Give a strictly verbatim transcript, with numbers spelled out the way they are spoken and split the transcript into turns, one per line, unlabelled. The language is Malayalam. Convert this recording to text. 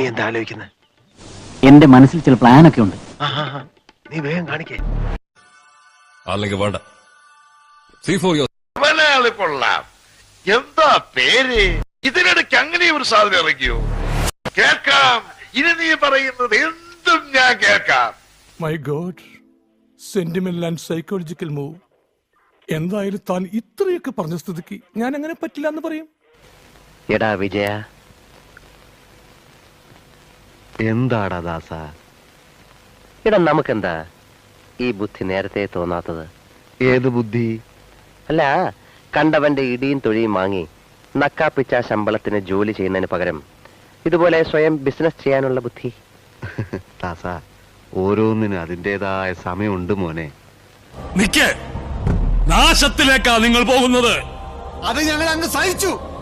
എന്താ ആലോചിക്കുന്നത്?
എന്റെ മനസ്സിൽ ചില പ്ലാനൊക്കെ ഉണ്ട്.
നീ വേഗം കാണിക്കേ.
അല്ലെങ്കിൽ വേണ്ട. See for your.
മലയാളി കൊള്ളാം. എന്താ പേര്? ഇതിനിടയ്ക്ക് അങ്ങനെ ഒരു സാധനം ഇറങ്ങിയോ? കേൾക്കാം. ഇനി നീ പറയുന്നത് എന്തും ഞാൻ കേൾക്കാം.
My god, sentimental and psychological move. എന്തായാലും താൻ ഇത്രയൊക്കെ പറഞ്ഞ സ്ഥിതിക്ക് ഞാൻ അങ്ങനെ പറ്റില്ല എന്ന് പറയും.
എടാ വിജയ, എന്താടാ ദാസ? എടാ നമുക്കെന്താ ഈ ബുദ്ധി നേരത്തെ തോന്നാത്തത്? ഏത് ബുദ്ധി? അല്ല, കണ്ടവന്റെ ഇടിയും തൊഴിയും വാങ്ങി നക്കാപ്പിച്ച ശമ്പളത്തിന് ജോലി ചെയ്യുന്നതിന് പകരം ഇതുപോലെ സ്വയം ബിസിനസ് ചെയ്യാനുള്ള ബുദ്ധി. ദാസ, ഓരോന്നിനും അതിൻ്റെതായ സമയമുണ്ട് മോനെ.
നിക്കേ, നാശത്തിലേക്കാ നിങ്ങൾ പോകുന്നത്.
അത് ഞങ്ങൾ അങ്ങ് സഹിച്ചു.